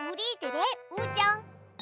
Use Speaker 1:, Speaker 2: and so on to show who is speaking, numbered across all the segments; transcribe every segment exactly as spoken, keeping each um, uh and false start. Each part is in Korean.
Speaker 1: 우리들의 우정.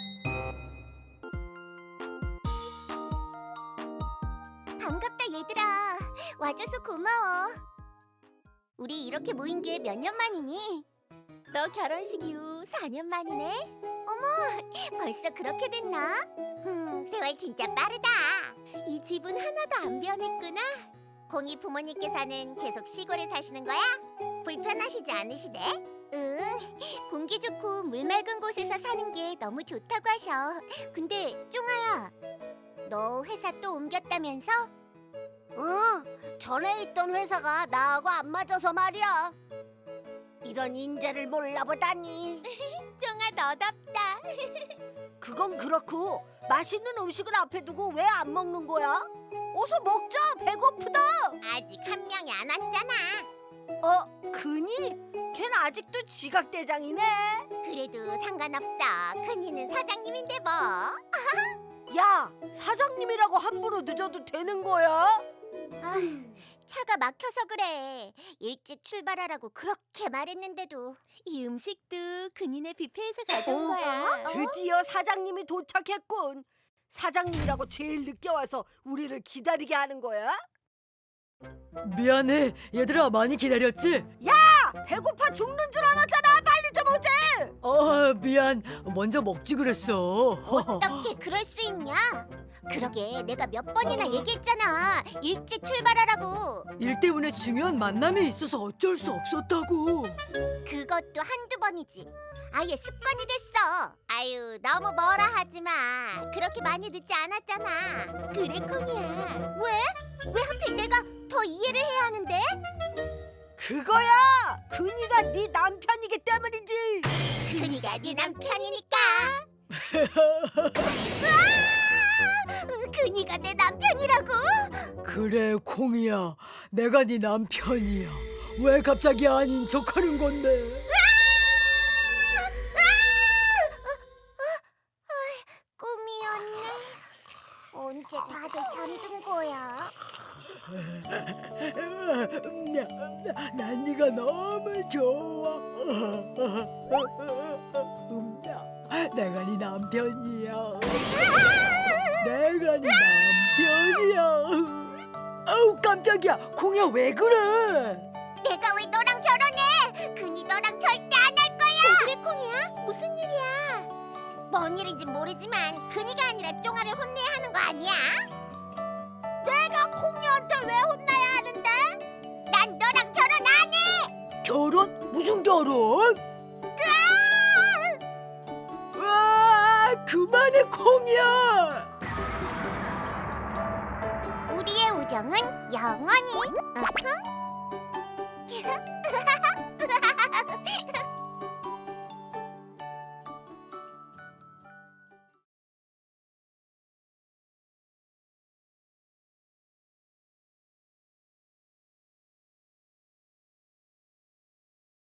Speaker 1: 반갑다 얘들아. 와줘서 고마워. 우리 이렇게 모인 게 몇 년 만이니?
Speaker 2: 너 결혼식 이후 사 년 만이네?
Speaker 1: 벌써 그렇게 됐나? 음, 세월 진짜 빠르다.
Speaker 2: 이 집은 하나도 안 변했구나.
Speaker 1: 공이 부모님께서는 계속 시골에 사시는 거야? 불편하시지 않으시대? 응, 공기 좋고 물 맑은 곳에서 사는 게 너무 좋다고 하셔. 근데 쫑아야, 너 회사 또 옮겼다면서?
Speaker 3: 응, 전에 있던 회사가 나하고 안 맞아서 말이야. 이런 인재를 몰라보다니.
Speaker 2: 쫑아 너답다.
Speaker 3: 그건 그렇고 맛있는 음식을 앞에 두고 왜 안 먹는 거야? 어서 먹자, 배고프다.
Speaker 1: 아직 한 명이 안 왔잖아.
Speaker 3: 어, 근이? 걘 아직도 지각대장이네.
Speaker 1: 그래도 상관없어. 큰이는 사장님인데 뭐.
Speaker 3: 야, 사장님이라고 함부로 늦어도 되는 거야?
Speaker 1: 아, 차가 막혀서 그래. 일찍 출발하라고 그렇게 말했는데도.
Speaker 2: 이 음식도 근인의 뷔페에서 가져온
Speaker 3: 어?
Speaker 2: 거야.
Speaker 3: 드디어 사장님이 도착했군. 사장님이라고 제일 늦게 와서 우리를 기다리게 하는 거야?
Speaker 4: 미안해 얘들아, 많이 기다렸지?
Speaker 3: 야, 배고파 죽는 줄 알았잖아. 빨리 좀 오지.
Speaker 4: 어 미안, 먼저 먹지 그랬어.
Speaker 1: 어떻게 그럴 수 있냐? 그러게 내가 몇 번이나 얘기했잖아. 일찍 출발하라고.
Speaker 4: 일 때문에 중요한 만남이 있어서 어쩔 수 없었다고.
Speaker 1: 그것도 한두 번이지. 아예 습관이 됐어. 아유, 너무 뭐라 하지 마. 그렇게 많이 늦지 않았잖아.
Speaker 2: 그래 콩이야.
Speaker 1: 왜? 왜 하필 내가 더 이해를 해야 하는데?
Speaker 3: 그거야. 근이가 네 남편이기 때문이지.
Speaker 1: 그니가 네 남편이니까. 그니가 내 남편이라고?
Speaker 4: 그래 콩이야, 내가 네 남편이야. 왜 갑자기 아닌 척하는 건데?
Speaker 1: 꿈이었네. 언제 다들 잠든 거야?
Speaker 4: 난 네가 너무 좋아. 내가 네 남편이야. 내가 네 남편이야. 아우 깜짝이야, 콩이야 왜 그래?
Speaker 1: 내가 왜 너랑 결혼해? 그니 너랑 절대 안 할 거야.
Speaker 2: 그래 콩이야? 무슨 일이야?
Speaker 1: 뭔 일인지 모르지만 그니가 아니라 쫑아를 혼내야 하는 거 아니야?
Speaker 3: 내가 콩이한테 왜 혼나야 하는데?
Speaker 1: 난 너랑 결혼 안 해.
Speaker 4: 결혼? 무슨 결혼? 아, 그만해 콩이야.
Speaker 1: 우리의 우정은 영원히. 으흠.